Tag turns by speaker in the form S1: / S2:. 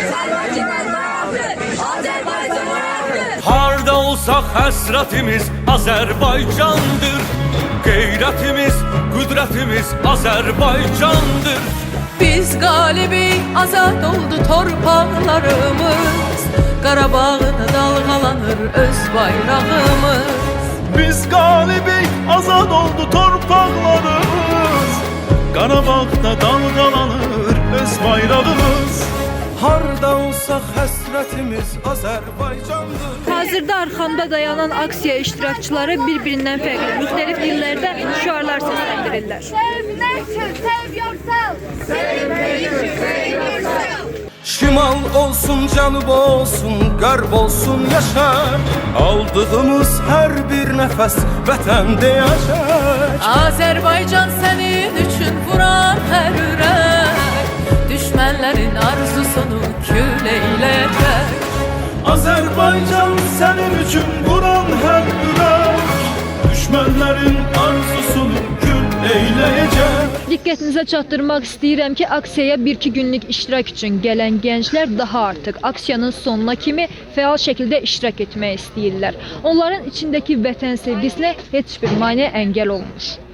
S1: Harda olsak həsrətimiz Azərbaycandır. Qeyrətimiz, qüdrətimiz Azərbaycandır.
S2: Biz qalibi, azad oldu torpaqlarımız. Qarabağda dalğalanır öz bayrağımız.
S3: Biz qalibi, azad oldu torpaqlarımız. Qarabağda dalğalanır öz bayrağımız. Harda olsaq həsrətimiz Azərbaycandır.
S4: Hazırda arxamda dayanan aksiya iştirakçıları bir-birindən fərqli, müxtəlif dillərdə şüarlar səsləndirirlər.
S3: Şimal olsun, cənub olsun, qərb olsun yaşar. Aldığımız hər bir nəfəs vətəndə yaşar.
S2: Azərbaycan sənin üçün vuran hər ürək, düşmənlərin arzusunu kül eyləyəcək.
S3: Azərbaycan sənin üçün vuran hər ürək, düşmənlərin arzusunu kül eyləyəcək.
S4: Diqqətinizə çatdırmaq istəyirəm ki, aksiyaya 1-2 günlük iştirak üçün gələn gənclər daha artıq aksiyanın sonuna kimi fəal şəkildə iştirak etmək istəyirlər. Onların içindəki vətən sevgisinə heç bir maneə əngəl olmur.